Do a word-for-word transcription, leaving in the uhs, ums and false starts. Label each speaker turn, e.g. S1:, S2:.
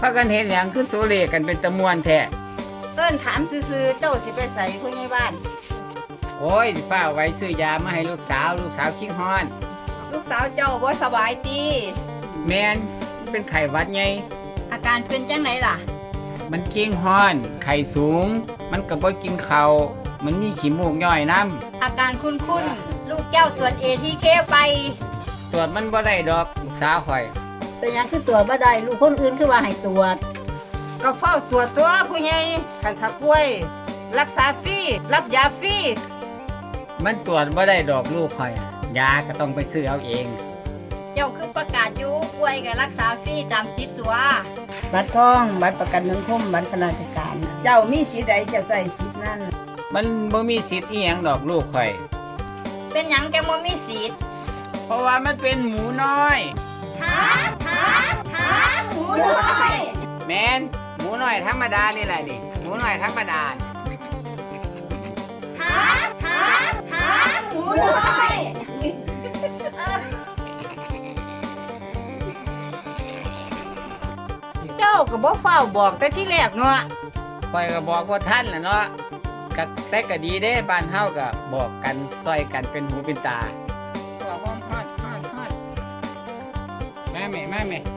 S1: ากันเห็นหยังคือโซเลกันเป็นตะมวนแท้
S2: เอิ้นถามซื่อๆเจ้าสิไปใส่ผู้ใหญ่บ้าน
S1: โอ้ยสิป้าเอาไว้ซื้อยามาให้ลูกสาวลูกสาวคิงฮอน
S3: ลูกสาวเจ้าบ่สบายดี
S1: แมนมันเป็นไข้หวัดไง
S3: อาการเป็นจังไหนล่ะ
S1: มันคิงฮอนไข้สูง มันก็บ่กินข้าวมันมีขี้มูกย่อยน้
S3: อาการคุ้นๆลูกเจ้าตรวจ เอ ที เค ไป
S1: ำตรวจมันบ่ได้ดอกลูกสาวข่อย
S4: เป็นหยังคือตัวบ่ได้ลูกคนอื่นคือว่าให้ตรวจ
S2: ก็เฝ้าตรวจตัวผู้ใหญ่คันถ้าป่วย รักษาฟรีรับยาฟรี
S1: มันตรวจบ่ได้ดอกลูกข่อย ยาก็ต้องไปซื้อเอาเอง
S3: เจ้าคือประกาศอยู่ป่วยกับรักษาฟรีตามสิทธิ์ตัว
S4: บัตรทอง บัตรประกันสังคมบัตรข้าราชการ เจ้ามีสิทธิ์ใดจะใส่สิทธิ์นั้น
S1: มันบ่มีสิทธิ์อีหยังดอกลูกข่อย
S3: เป็นหยังจังบ่มีสิทธิ์
S1: เพราะว่ามันเป็นหมูน้อย
S3: หาหาหาหมูน้อย
S1: แมนหมูน้อยธรรมดานี่แหละนี่หมูน้อยธรรมดา
S3: หาหาหาหมูน้อย
S2: เจ้าก็บ่เฝ้าบอกแต่ที่แรกเนาะ
S1: ข่อยก็บอกว่าท่านแหละเนาะก็แต่ก็ดีเด้บ้านเฮาก็บอกกันซอยกันเป็นหูเป็นตาบอกว่าฮอดฮอดฮอดแม่แม่แม่แม่